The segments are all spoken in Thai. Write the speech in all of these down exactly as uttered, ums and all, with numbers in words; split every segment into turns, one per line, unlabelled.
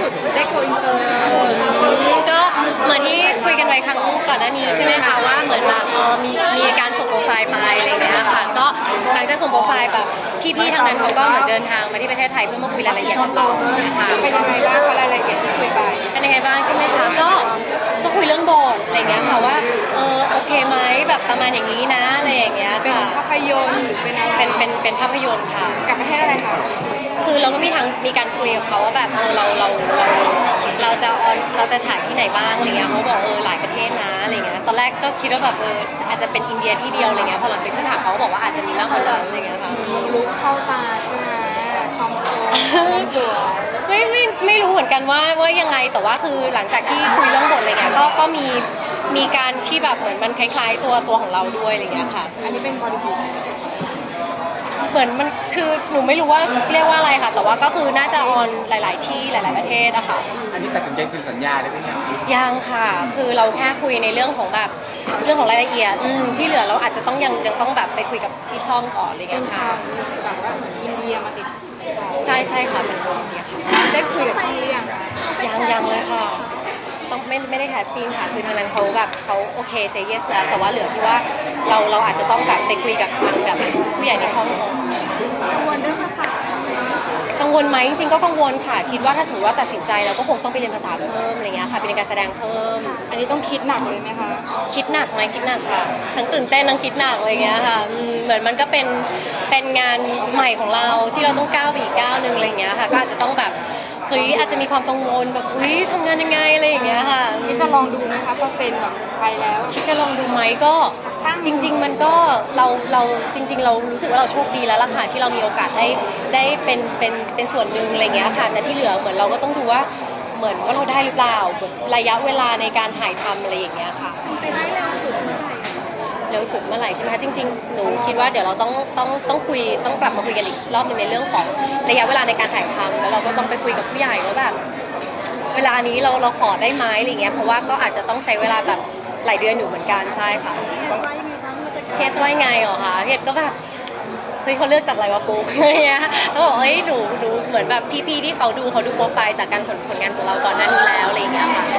สุดได้โกอินเตอร์
ก็เหมือนที่คุยกันไว้ครั้งก่อนหน้านี้ใช่ไหมคะว่าเหมือนแบบเออมีมีการส่งโปรไฟล์ไปอะไรเงี้ยค่ะก็หลังจากส่งโปรไฟล์แบบพี่ๆทางนั้นเขาก็เหมือนเดินทางมาที่ประเทศไทยเพื่อมาคุยรายละเอียดกับเราค่ะ
เป็นยังไงบ้างคะรายละเอียดที่คุยไป
เป็นยังไงบ้างใช่ไหมคะก็ก็คุยเรื่องบทอะไรเงี้ยค่ะว่าเออโอเคไหมแบบประมาณอย่างนี้นะอะไรอย่างเงี้ย
เป็น
ค่ะ
ภาพยนตร์หรือเป็นอะไร
เป็นเป็นเป็นภาพยนตร์ค่ะ
กับประเทศอะไรคะ
คือเราก็มีทางมีการคุยกับเขาว่าแบบเออเราเราเราเราจะเราจะฉายที่ไหนบ้างอะไรเงี้ยเขาบอกเออหลายประเทศนะอะไรเงี้ยตอนแรกก็คิดว่าแบบเอออาจจะเป็นอินเดียที่เดียวอะไรเงี้ยพอหลังจากที่ถามเขาบอกว่าอาจจะมีมากกว่านั้นอะไรเงี้ยค่ะ
ลุกเข้าตาใช่ไหมความโตความสวย
ไม่ไม่ไม่รู้เหมือนกันว่าว่ายังไงแต่ว่าคือหลังจากที่คุยเรื่องบทอะไรเงี้ยก็ก็มีมีการที่แบบเหมือนมันคล้ายๆตัวตัวของเราด้วยอะไรเงี้ยค่ะ
อันนี้เป็นบริบูรณ์
เหมือนมันคือหนูไม่รู้ว่าเรียกว่าอะไรค่ะแต่ว่าก็คือน่าจะออนหลาย ๆ ที่หลาย ๆประเทศอะค่ะ
อันนี้ตัดสินใจคือสัญญาได้ไหมครับ
ยังค่ะคือเราแค่คุยในเรื่องของแบบเรื่องของรายละเอียดที่เหลือเราอาจจะต้องยังยังต้องแบบไปคุยกับที่ช่องก่อนอะไรเงี้ยค่ะ
แบบว่าเหมือนอินเดียมาติด
ใช่ใช่ค่ะเป็นคนอินเดียค่ะ
ได้คุยกับช่องหรือยัง
ยังยังเลยค่ะต้องไม่ไม่ได้แคสติ้งค่ะคือทางนั้นเขาแบบเขาโอเคเซย์เยสแล้วแต่ว่าเหลือที่ว่าเราเราอาจจะต้องแบบไปคุยกับทางแบบผู้ใหญ่ในช่องก่อน
กังวลเรื่องภาษา
กังวลไหมจริงๆก็กังวลค่ะคิดว่าถ้าสมมติว่าตัดสินใจเราก็คงต้องไปเรียนภาษาเพิ่มอะไรเงี้ยค่ะไปเรียนการแสดงเพิ่ม
อันนี้ต้องคิดหนักเลยไหมคะ
คิดหนักไหมคิดหนักค่ะทั้งตื่นเต้นทั้งคิดหนักอะไรเงี้ยค่ะเหมือนมันก็เป็นเป็นงานใหม่ของเราที่เราต้องก้าวไปอีกก้าวหนึ่งอะไรเงี้ยค่ะก็อาจจะต้องแบบเฮ้ยอาจจะมีความกังวลแบบอุ้ยทำงานยังไงอะไรอย่างเงี้ยค่ะ
นี่จะลองดูไหมคะพอเซ็นแบบไปแล้ว
จะลองดูไหมก็จริงๆมันก็เราเราจริงๆเรารู้สึกว่าเราโชคดีแล้วล่ะค่ะที่เรามีโอกาสได้ได้เป็นเป็นเป็นส่วนหนึ่งอะไรเงี้ยค่ะแต่ที่เหลือเหมือนเราก็ต้องดูว่าเหมือนว่าเราได้หรือเปล่าระยะเวลาในการถ่ายทำอะไรอย่างเงี้ยค่ะ
ไปได้เร็วสุดเมื่อไหร่
เร็วสุดเมื่อไหร่ใช่ไหมคะจริงๆหนูคิดว่าเดี๋ยวเราต้องต้องต้องคุยต้องกลับมาคุยกันอีกรอบนึงในเรื่องของระยะเวลาในการถ่ายทำแล้วเราก็ต้องไปคุยกับผู้ใหญ่ว่าแบบเวลานี้เราเราขอได้ไหมอะไรเงี้ยเพราะว่าก็อาจจะต้องใช้เวลาแบบหลายเดือนอยู่เหมือนกันใช่ค่ะเคสว่ายังไงเหรอคะเคสก็แบบเฮ้ยเขาเลือกจากอะไรวะปุ๊กอะไรเงี้ยเขาบอกเฮ้ยหนูดูเหมือนแบบพี่ๆที่เขาดูเขาดูโปรไฟล์จากการผลผลงานของเราก่อนหน้านี้แล้วอะไรเงี้ยค่ะ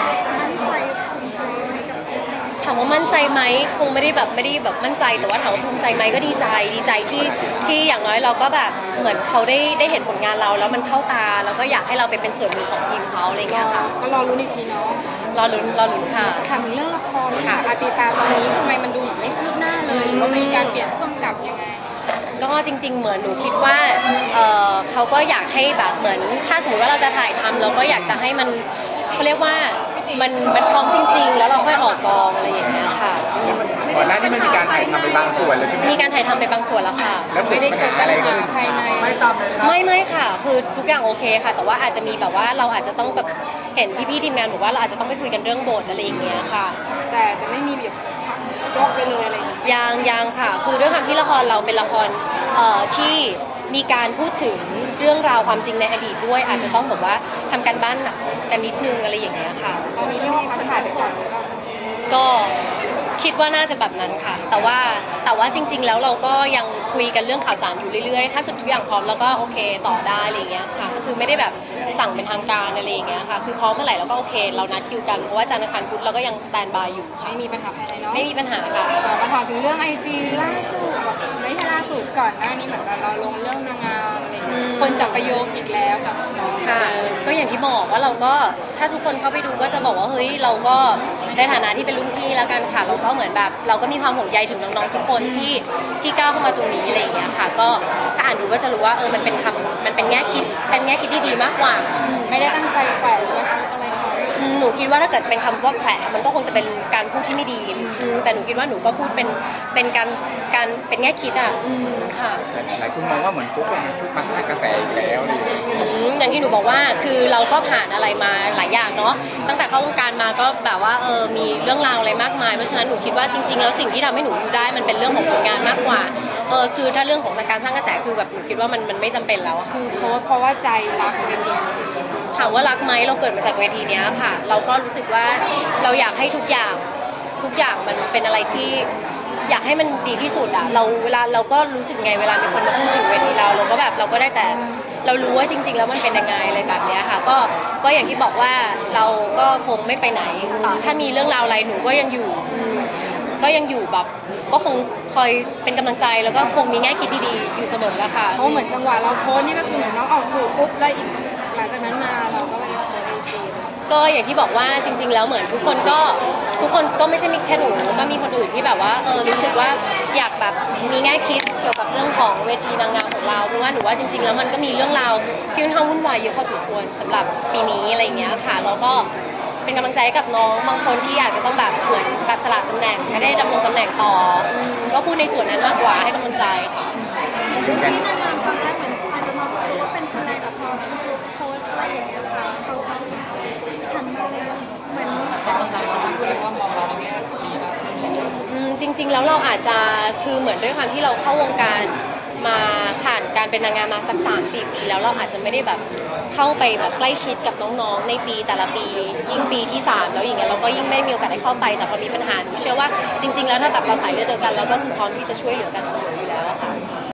ถามว่ามั่นใจไหมคงไม่ได้แบบไม่ได้แบบมั่นใจแต่ว่าถามว่าภูมิใจไหมก็ดีใจดีใจที่ที่อย่างน้อยเราก็แบบเหมือนเขาได้ได้เห็นผลงานเราแล้วมันเข้าตาแล้วก็อยากให้เราไปเป็นส่วนหนึ่งของทีมเขาอะไรเงี้ยค่ะ
ก็รอรุ้นอีกทีเนาะ
รอลุ้นรอลุ้นค่ะ
ถามถึงเรื่องละครค่ะอาติตาตอนนี้ทำไมมันดูเหมือนไม่คืบหน้าเลยหรือว่ามีการเปลี่ยนผู้กำกับยังไง
ก็จริงๆเหมือนหนูคิดว่าเออเขาก็อยากให้แบบเหมือนถ้าสมมติว่าเราจะถ่ายทำเราก็อยากจะให้มันเขาเรียกว่ามันมันพร้อมจริงๆแล้วเราค่อยออกกองอะไรอย่างเงี้ยค่ะ
ก่อนหน้านี้มันมีการถ่ายทำไปบางส่วนแล้วใช่ไหม
มีการถ่ายทำไปบางส่วนแล้วค่ะ
แล้ว
ไม่ได้เกิดปัญหาภายใน
ไม่ไม่ค่ะคือทุกอย่างโอเคค่ะแต่ว่าอาจจะมีแบบว่าเราอาจจะต้องแบบเห็นพี่ๆทีมงานบอกว่าเราอาจจะต้องไปคุยกันเรื่องบทอะไรอย่างเงี้ยค่ะ
แต่จะไม่มีแบบยกไปเลยอะไรอย่างเงี้ย
ยังยังค่ะคือด้วยความที่ละครเราเป็นละครเอ่อที่มีการพูดถึงเรื่องราวความจริงในอดีตด้วยอาจจะต้องแบบว่าทำการบ้านหนักกันนิดนึงอะไรอย่างเงี้ยค่ะ
ตอนนี้เรียกว่าพักถ่ายไปก่อนหรือเปล่า
ก็คิดว่าน่าจะแบบนั้นค่ะแต่ว่าแต่ว่าจริงๆแล้วเราก็ยังคุยกันเรื่องข่าวสารอยู่เรื่อยๆถ้าเกิดทุกอย่างพร้อมแล้วก็โอเคต่อได้อะไรอย่างเงี้ยค่ะก็คือไม่ได้แบบสั่งเป็นทางการอะไรอย่างเงี้ยค่ะคือพร้อมเมื่อไหร่เราก็โอเคเรานัดคิวกันเพราะว่าจันทร์อังคารพุธเราก็ยังสแตนบายอยู่
ไม่มีปัญหาภายในเนาะ
ไม่มีปัญหาค่ะ
มาถามถึงเรื่องไอจีล่าสุดไม่ใช่ล่าสุดก่อนหน้านี้เหมือนเราลงเรื่องนางงามอะไรคนจับประโยคอีกแล้วกับน้อง
ค่ะก็อย่างที่บอกว่าเราก็ถ้าทุกคนเข้าไปดูก็จะบอกว่าเฮ้ยเราก็ในฐานะที่เป็นรุ่นพี่แล้วกันค่ะเราก็เหมือนแบบเราก็มีความห่วงใยถึงน้องๆทุกคนที่ที่ก้าวเข้ามาตรงนี้อะไรอย่างเงี้ยค่ะก็ถ้าอ่านดูก็จะรู้ว่าเออมันเป็นคำมันเป็นแง่คิดเป็นแง่คิดที่ดีมากกว่า
ไม่ได้ตั้งใจแขวะหรือว่าชุดอะไร
หนูคิดว่าถ้าเกิดเป็นคำว่าแขวะมันก็คงจะเป็นการพูดที่ไม่ดีแต่หนูคิดว่าหนูก็พูดเป็นเป็นการการเป็นแง่คิดอ่ะค่ะ
หลายคนมองว่าเหมือนปุ๊กมันมาสร้างกระแสอีกแล้ว
อย่างที่หนูบอกว่าคือเราก็ผ่านอะไรมาหลายอย่างเนาะตั้งแต่เข้าวงการมาก็แบบว่าเออมีเรื่องราวอะไรมากมายเพราะฉะนั้นหนูคิดว่าจริงๆแล้วสิ่งที่ทำให้หนูอยู่ได้มันเป็นเรื่องของผลงานมากกว่าเออคือถ้าเรื่องของการสร้างกระแสคือแบบหนูคิดว่ามันมันไม่จำเป็นแล้ว
คือเพราะว่าเพราะว่าใจรักเวทีจริง
ๆถามว่ารักไหมเราเกิดมาจากเวทีนี้ค่ะเราก็รู้สึกว่าเราอยากให้ทุกอย่างทุกอย่างมันเป็นอะไรที่อยากให้มันดีที่สุดอะเราเวลาเราก็รู้สึกไงเวลามีคนมาพูดถึงเวทีเราเราก็แบบเราก็ได้แต่เรารู้ว่าจริง ๆ แล้วมันเป็นยังไงอะไรแบบเนี้ยค่ะก็ก็อย่างที่บอกว่าเราก็คงไม่ไปไหนต่อถ้ามีเรื่องราวอะไรหนูก็ยังอยู่อืมก็ยังอยู่แบบก็คงคอยเป็นกำลังใจแล้วก็คงมีแง่คิดดีๆอยู่เสมอแล้วค่ะ
เพราะเหมือนจังหวะเราโพสต์นี่ก็คือเหมือนน้องออกสื่อปุ๊บแล้วอีกหลังจากนั้นมาเราก็ไม่ได้โพสต์ไอจี
ก็อย่างที่บอกว่าจริง ๆ แล้วเหมือนทุกคนก็ทุกคนก็ไม่ใช่มีแค่หนูก็มีคนอื่นที่แบบว่าเออรู้สึกว่าอยากแบบมีแง่คิดเกี่ยวกับเรื่องของเวทีนางงามของเราเพราะว่าหนูว่าจริง ๆ แล้วมันก็มีเรื่องราวที่ค่อนข้างวุ่นวายเยอะพอสมควรสำหรับปีนี้อะไรอย่างเงี้ยค่ะแล้วก็เป็นกำลังใจให้กับน้องบางคนที่อาจจะต้องแบบเหมือนแบบสลัดตำแหน่งไม่ได้ดำรงตำแหน่งต่ออืมก็พูดในส่วนนั้นมากกว่าให้กำลังใจค่ะ
ที่นางงามตอนแรกเหมือนอาจจะมองว่าเป็นคนอะไรแต่พอโพสต์อะไรอย่างเงี้ยค่ะเขาเขาหันมาเหมือน
อืมจริงๆแล้วเราอาจจะคือเหมือนด้วยความที่เราเข้าวงการมาผ่านการเป็นนางงามมาสัก สามสี่ ปีแล้วเราอาจจะไม่ได้แบบเข้าไปแบบใกล้ชิดกับน้องๆในปีแต่ละปียิ่งปีที่สามแล้วอย่างเงี้ยเราก็ยิ่งไม่มีโอกาสได้เข้าไปแต่พอมีปัญหาหนูเชื่อว่าจริงๆแล้วถ้าแบบเราสายเลือดเดียวกันเราก็คือพร้อมที่จะช่วยเหลือกันเสมออยู่แล้วอะค่ะ